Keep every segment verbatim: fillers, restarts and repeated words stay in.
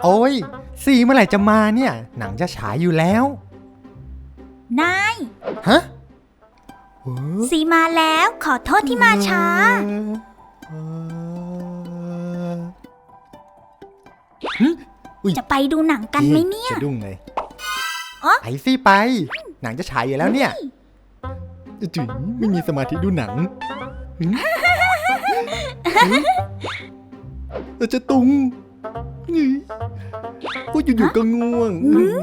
โอ้ยซีเมื่อไหร่จะมาเนี่ยหนังจะฉายอยู่แล้วนายฮะซีมาแล้วขอโทษที่มาช้าจะไปดูหนังกันไหมเนี่ยจะดุ้งเลยไปสิไปหนังจะฉายอยู่แล้วเนี่ยจุ๋ยไม่มีสมาธิดูหนังเราจะตุงก็อยู่ๆก็ง่วง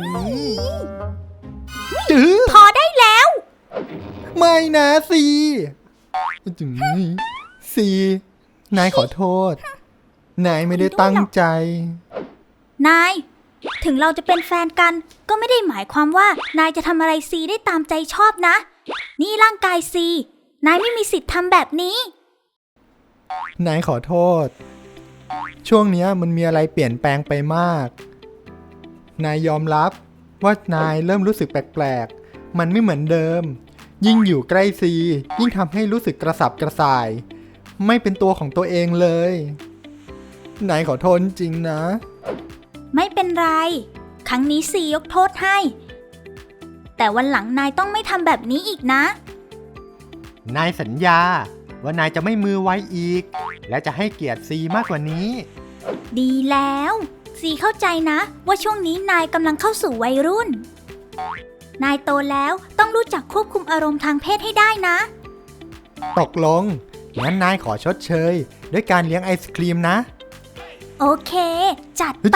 จื้อพอได้แล้วไม่นะซีจุ๋ยซีนายขอโทษนายไม่ได้ตั้งใจนายถึงเราจะเป็นแฟนกันก็ไม่ได้หมายความว่านายจะทำอะไรซีได้ตามใจชอบนะนี่ร่างกายซีนายไม่มีสิทธิ์ทำแบบนี้นายขอโทษช่วงนี้มันมีอะไรเปลี่ยนแปลงไปมากนายยอมรับว่านายเริ่มรู้สึกแปลกๆมันไม่เหมือนเดิมยิ่งอยู่ใกล้ซียิ่งทำให้รู้สึกกระสับกระส่ายไม่เป็นตัวของตัวเองเลยนายขอโทษจริงนะไม่เป็นไรครั้งนี้ซียกโทษให้แต่วันหลังนายต้องไม่ทำแบบนี้อีกนะนายสัญญาว่านายจะไม่มือไวอีกและจะให้เกียรติซีมากกว่านี้ดีแล้วซีเข้าใจนะว่าช่วงนี้นายกำลังเข้าสู่วัยรุ่นนายโตแล้วต้องรู้จักควบคุมอารมณ์ทางเพศให้ได้นะตกลงงั้นนายขอชดเชยด้วยการเลี้ยงไอศครีมนะโอเคจัดไป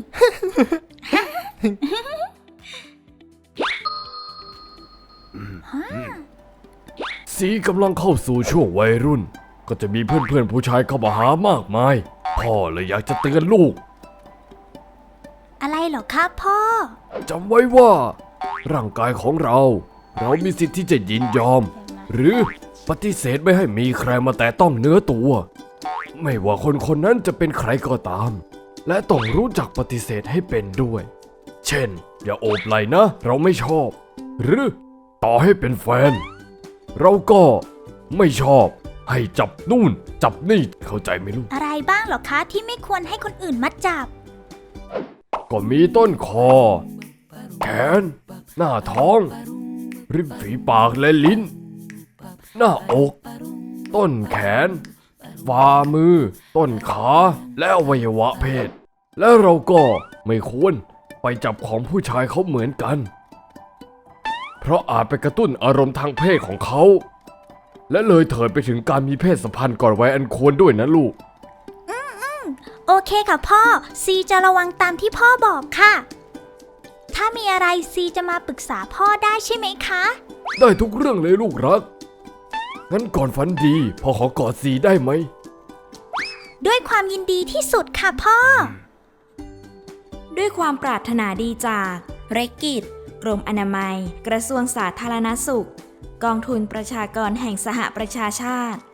ซีกำลังเข้าสู่ช่วงวัยรุ่นก็จะมีเพื่อนๆผู้ชายเข้ามาหามากมายพ่อเลยอยากจะเตือนลูกอะไรเหรอครับพ่อจำไว้ว่าร่างกายของเราเรามีสิทธิ์ที่จะยินยอมหรือปฏิเสธไม่ให้มีใครมาแตะต้องเนื้อตัวไม่ว่าคนคนนั้นจะเป็นใครก็ตามและต้องรู้จักปฏิเสธให้เป็นด้วยเช่นอย่าโอบไหล่นะเราไม่ชอบหรือต่อให้เป็นแฟนเราก็ไม่ชอบให้จับนู่นจับนี่เข้าใจไหมลูกอะไรบ้างเหรอคะที่ไม่ควรให้คนอื่นมาจับก็มีต้นคอแขนหน้าท้องริมฝีปากและลิ้นหน้าอกต้นแขนฝ่ามือต้นขาและอวัยวะเพศและเราก็ไม่ควรไปจับของผู้ชายเขาเหมือนกันเพราะอาจไปกระตุ้นอารมณ์ทางเพศของเขาและเลยเถิดไปถึงการมีเพศสัมพันธ์ก่อนวัยอันควรด้วยนะลูกอืมอืมโอเคค่ะพ่อซีจะระวังตามที่พ่อบอกค่ะถ้ามีอะไรซีจะมาปรึกษาพ่อได้ใช่ไหมคะได้ทุกเรื่องเลยลูกรักงั้นก่อนฝันดีพ่อขอกอดซีได้ไหมด้วยความยินดีที่สุดค่ะพ่อด้วยความปรารถนาดีจากเรกิจกรมอนามัยกระทรวงสาธารณสุขกองทุนประชากรแห่งสหประชาชาติ